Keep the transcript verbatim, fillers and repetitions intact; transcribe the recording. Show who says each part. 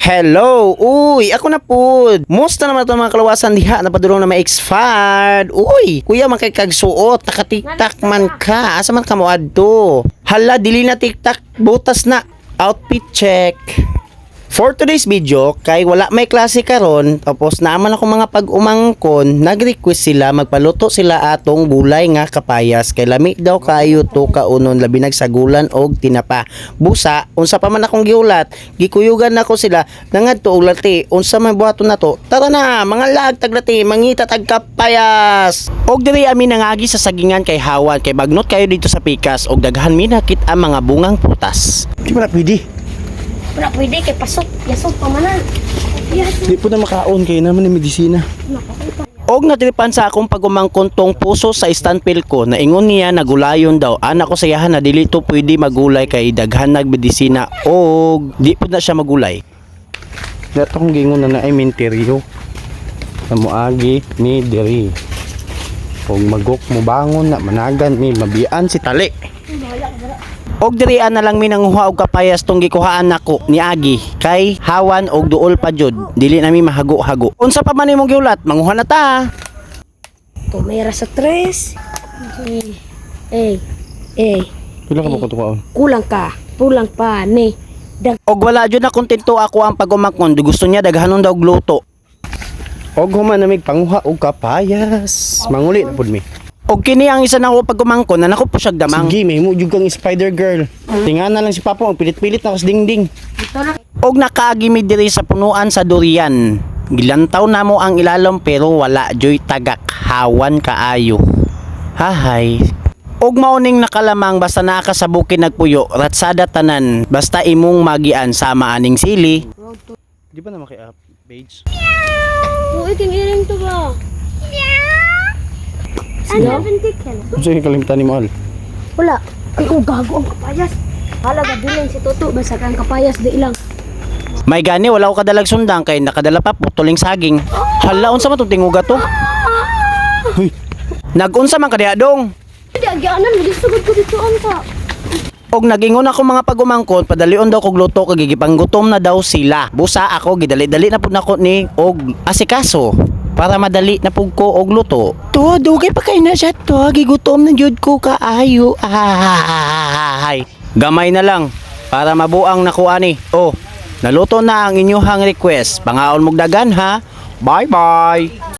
Speaker 1: Hello! Uy, ako na po. Musta naman ito mga kalawasan diha? Napadulong na ma-expired. Uy, kuya makikagsuot. Naka-tiktak man ka. Asa man ka mo adto? Hala, dili na tiktak. Butas na. Outfit check. For today's video, kay wala may klase karon, tapos naaman ako mga pag-umangkon, nag-request sila magpaluto sila atong gulay nga kapayas kay lami daw kayo to kaunon labi nagsagulan og tinapa. Busa, unsa pa man akong giulat, gikuyugan nako sila nangadto og lati. Unsa man buhaton nato? Tara na, mga lag taglati, mangita tag kapayas. Og diri ami nangagi sa sagingan kay Hawan kay bagnot kayo dito sa Pikas og daghan mi nakit ang mga bungang prutas.
Speaker 2: Di ba na pwede?
Speaker 3: Wala pwede kay pasok, yasok pamanan. Yes.
Speaker 2: Di po na makaon kayo naman ng medisina.
Speaker 1: Og natiripan sa akong pagumangkon tong puso sa standpill ko na ingon niya nagulayon daw. Anak ko sayahan na dili to pwede magulay kay daghan nagmedisina og di po na siya magulay.
Speaker 2: Dato kong gingon na na ay minteryo. Na muagi ni diri. Og magok mo bangon na managan ni mabian si tali.
Speaker 1: Og dirian na lang mi nanguha og kapayas tong gikuhaan nako ni Agi kay Hawan og duol pa jud dili na mi mahago-hago. Unsa pa man imong giulat? Manguha na ta.
Speaker 3: Tumira sa tres. Eh, eh, eh.
Speaker 2: Pila ka ba ko tukaon?
Speaker 3: Kulang ka, pulang pa ni. Dag
Speaker 1: Og wala jud na kontento ako ang pagumangkon. Gusto niya daghanon daw og luto.
Speaker 2: Og human na mig panguha og kapayas. Manguli na pud mi.
Speaker 1: Og kini ang isa nako pagumangkon na nako po siya damang.
Speaker 2: Sige, may mo jud kang spider girl. Tingan na lang si Papa, ang pilit-pilit na kas dingding.
Speaker 3: dito na.
Speaker 1: Og nakaagi mi diri sa punuan sa durian. Gilantaw na mo ang ilalom pero wala joy tagak Hawan kaayo. Hahay. Og mauning nakalamang basta naa ka sa bukid nagpuyo, ratsada tanan, basta imong magian sama aning sili.
Speaker 2: Di ba na maki-up page?
Speaker 3: Uy, kiniring to ba? Ano?
Speaker 2: Unsa yung kalimtan ni Mahal?
Speaker 3: Wala. Ay, oh, gago ang kapayas. Halaga bilin si Toto, basta kang kapayas di lang.
Speaker 1: May gani wala ko kadalag sundang kay nakadala pa putuling saging. Hala unsa man tong tinguga to?
Speaker 2: Hoy,
Speaker 1: Nagunsa man kadiha dong.
Speaker 3: Hindi, agyanan, magisugod ko dito ang ka.
Speaker 1: Og nagingon ako mga pagumangkon padalion daw kog luto kay gipanggutom na daw sila. Busa ako gidali-dali na pud nako ni og asikaso para madali na pud ko og luto. To dugay pa kay na siya to gigutom na jud ko kaayo. Ay. Gamay na lang para mabuang nako ani. Oh, naluto na ang inyong request. Pangaon mog dagan ha. Bye bye.